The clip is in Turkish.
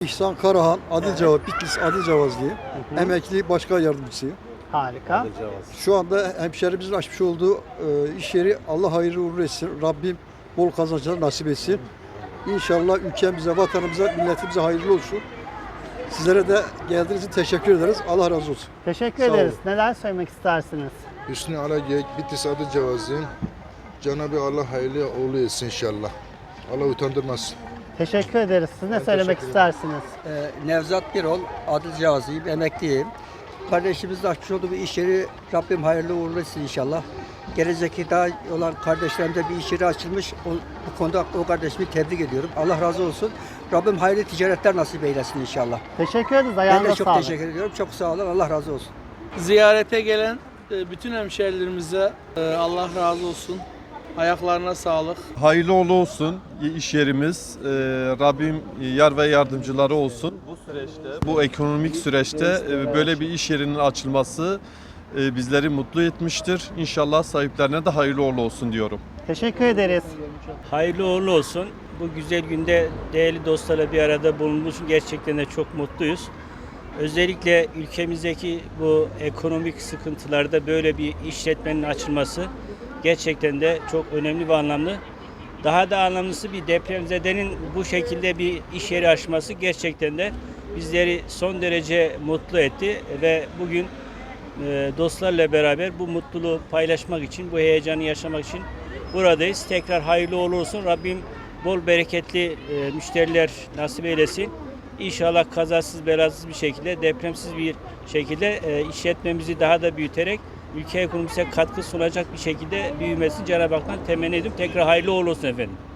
İhsan Karahan, Adilcavaz, Bitlis Adilcavazlıyım. Emekli başkan yardımcısıyım. Harika. Şu anda hemşehrimizin açmış olduğu iş yeri Allah hayırlı uğurlu etsin. Rabbim bol kazançlar nasip etsin. İnşallah ülkemize, vatanımıza, milletimize hayırlı olsun. Sizlere de geldiğiniz için teşekkür ederiz. Allah razı olsun. Teşekkür Sağ ederiz. olun. Neler söylemek istersiniz? Hüsnü Alagek, Bitlis Adilcavaz'ın Cenab-ı Allah hayırlı uğurlu etsin inşallah. Allah utandırmasın. Teşekkür ederiz. Siz ne söylemek teşekkür ederim. istersiniz? Nevzat Birol, Adilcavazlıyım, emekliyim. Kardeşimizle açmış olduğu bir iş yeri Rabbim hayırlı uğurlu etsin inşallah. Gelecekte daha olan kardeşlerimde bir iş yeri açılmış. Bu konuda o kardeşimi tebrik ediyorum. Allah razı olsun. Rabbim hayırlı ticaretler nasip eylesin inşallah. Teşekkür ederiz. Ben Ayağınıza de çok sağlık. teşekkür ediyorum. Çok sağ olun. Allah razı olsun. Ziyarete gelen bütün hemşehrilerimize Allah razı olsun. Ayaklarına sağlık. Hayırlı uğurlu olsun iş yerimiz. Rabbim yar ve yardımcıları olsun. Bu ekonomik süreçte böyle bir iş yerinin açılması bizleri mutlu etmiştir. İnşallah sahiplerine de hayırlı uğurlu olsun diyorum. Teşekkür ederiz. Hayırlı uğurlu olsun. Bu güzel günde değerli dostlarla bir arada bulunmuş. Gerçekten de çok mutluyuz. Özellikle ülkemizdeki bu ekonomik sıkıntılarda böyle bir işletmenin açılması gerçekten de çok önemli ve anlamlı. Daha da anlamlısı bir depremzedenin bu şekilde bir iş yeri açması gerçekten de bizleri son derece mutlu etti ve bugün dostlarla beraber bu mutluluğu paylaşmak için, bu heyecanı yaşamak için buradayız. Tekrar hayırlı uğurlu olsun. Rabbim bol bereketli müşteriler nasip eylesin. İnşallah kazasız belasız bir şekilde, depremsiz bir şekilde işletmemizi daha da büyüterek ülke ekonomisine katkı sunacak bir şekilde büyümesini Cenab-ı Hak'tan temenni ediyorum. Tekrar hayırlı uğurlu olsun efendim.